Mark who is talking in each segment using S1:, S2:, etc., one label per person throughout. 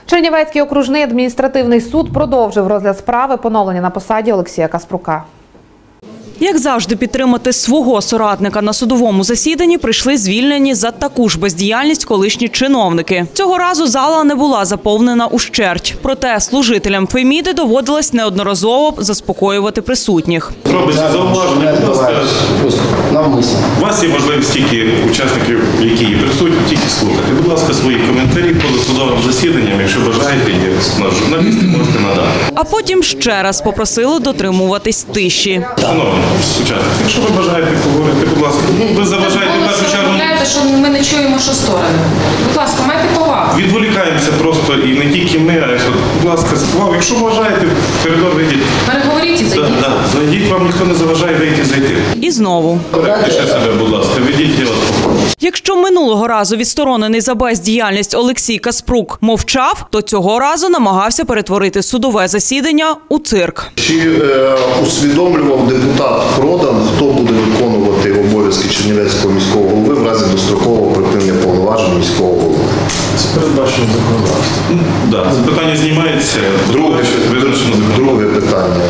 S1: Чернівецький окружний адміністративний суд продовжив розгляд справи поновлення на посаді Олексія Каспрука.
S2: Як завжди, підтримати свого соратника на судовому засіданні прийшли звільнені за таку ж бездіяльність колишні чиновники. Цього разу зала не була заповнена ущерть. Проте служителям Феміди доводилось неодноразово заспокоювати присутніх.
S3: Робиться зауваження, будь ласка, у вас є можливість тільки учасників, які є присутні, тільки слухати. Будь ласка, свої коментарі поза судовим засіданням, якщо бажаєте, є наш журналіст, можете надати.
S2: А потім ще раз попросили дотримуватись тиші.
S3: Шановні учасники, якщо ви бажаєте поговорити, будь ласка, ви заважаєте в першу чергу.
S4: Що ми не чуємо, що сторони. Будь ласка, майте повагу.
S3: Відволікаємося просто, і не тільки ми, а й, будь ласка, справа. Якщо бажаєте, в коридор вийдіть.
S4: Переговоріть і зайдіть.
S3: Зайдіть, вам ніхто не заважає вийти і зайти.
S2: І знову.
S3: Пише себе, будь ласка, ведіть, я вас попрошу.
S2: Якщо минулого разу відсторонений за бездіяльність Олексій Каспрук мовчав, то цього разу намагався перетворити судове засідання у цирк.
S5: Чи усвідомлював депутат Продан, хто буде виконувати обов'язки Чернівецького міського голови в разі дострокового припинення повноважень міського голови?
S3: Це передбачено законодавством. Так, це питання знімається.
S5: Друге питання.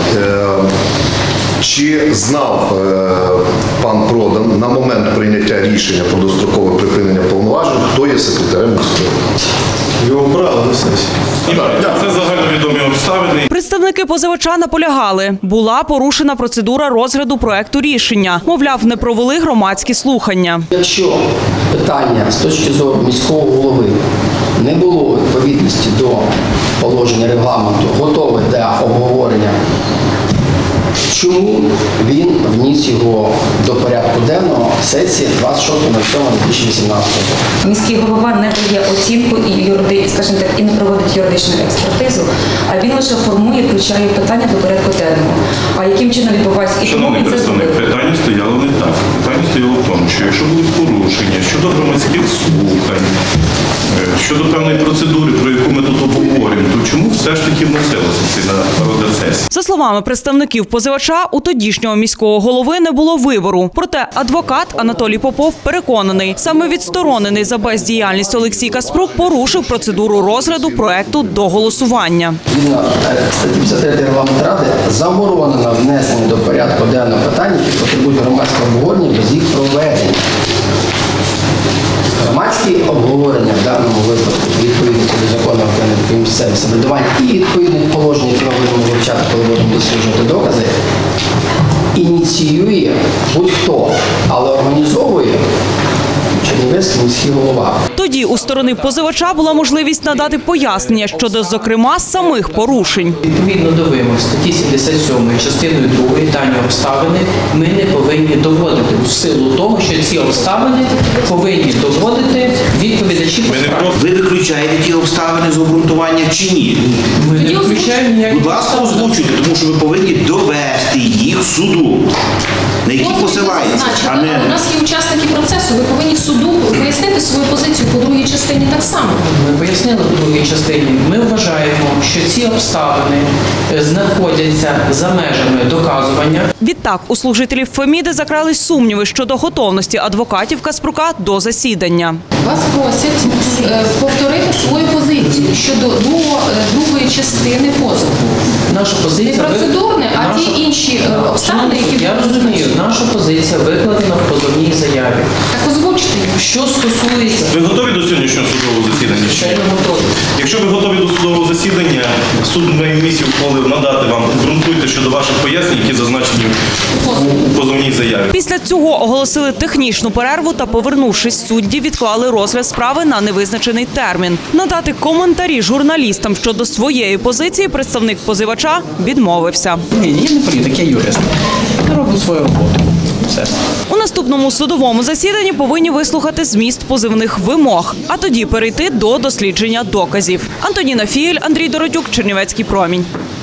S5: Чи знав пан Продан на момент прийняття рішення про дострокове припинення повноважень, хто є секретарем міського голови?
S3: Його брали до сесії. Це загальновідомі обставини.
S2: Представники позивача наполягали, була порушена процедура розгляду проекту рішення. Мовляв, не провели громадські слухання.
S6: Якщо питання з точки зору міського голови не було відповідності до положення регламенту, готове для обговорення, чому він вніс його до порядку денного сесії 26.07.2018 року?
S7: Міський голова не дає оцінку і не проводить юридичну експертизу, а він лише формує, включає питання до порядку денного. А яким чином відбувається?
S3: Шановний представник, питання стояло не так. Питання стояло в тому, що якщо були порушення щодо громадських слухань, щодо певної процедури, про яку ми тут обговорюємо, то чому все ж таки вносилося це на розгляд сесії?
S2: За словами представників позивача, у тодішнього міського голови не було вибору. Проте адвокат Анатолій Попов переконаний, саме відсторонений за бездіяльність Олексій Каспрук порушив процедуру розгляду проекту до голосування.
S6: Згідно статті 53 Регламенту Ради заборонено внесення до порядку денного питань, які потребують громадського обговорення без їх проведення. Громадські обговорення в даному випадку відповідно до закону про місцеве самоврядування і відповідних положень, які ми будемо вивчати, коли будемо досліджувати докази, ініціює будь-хто, але організовує Чернівецький міський голова.
S2: Тоді у сторони позивача була можливість надати пояснення щодо, зокрема, самих порушень.
S8: Відповідно до вимог статті 77 частиною 2 дані обставини ми не повинні доводити у силу того, що ці обставини повинні доводити відповідачі по справі.
S9: Ви виключаєте ті обставини з обґрунтування чи ні?
S8: Ми не виключаємо ніякі.
S9: Будь ласка, озвучуйте, тому що ви повинні довести їх суду, на які посилається.
S4: У нас є учасники процесу, ви повинні суду пояснити свою позицію по другій частині так само.
S8: Ми пояснили в другій частині. Ми вважаємо, що ці обставини знаходяться за межами доказування.
S2: Відтак, у служителів Феміди закрались сумніви щодо готовності адвокатів Каспрука до засідання.
S4: Вас просять повторити свою позицію щодо другої частини позову.
S8: Наша позиція
S4: Не процедурне, а ті інші обставини, які...
S8: Я розумію, наша позиція викладена в позовній заяві.
S4: Так озвучте їх.
S8: Що стосується...
S3: Ви готові до сьогоднішнього судового засідання?
S8: Звичайно, готові.
S3: Якщо ви готові до судового засідання, суд має місію ухвалив надати вам, обґрунтуйте щодо ваших пояснень, які зазначені у позовній заяві.
S2: Після цього оголосили технічну перерву та, повернувшись, судді відклали розгляд справи на невизначений термін. Надати коментарі журналістам щодо своєї позиції представник позивача відмовився.
S8: Ні, я не політик, я юрист. Я роблю свою роботу. Все.
S2: У наступному судовому засіданні повинні вислухати зміст позивних вимог, а тоді перейти до дослідження доказів. Антоніна Фієль, Андрій Дородюк, Чернівецький промінь.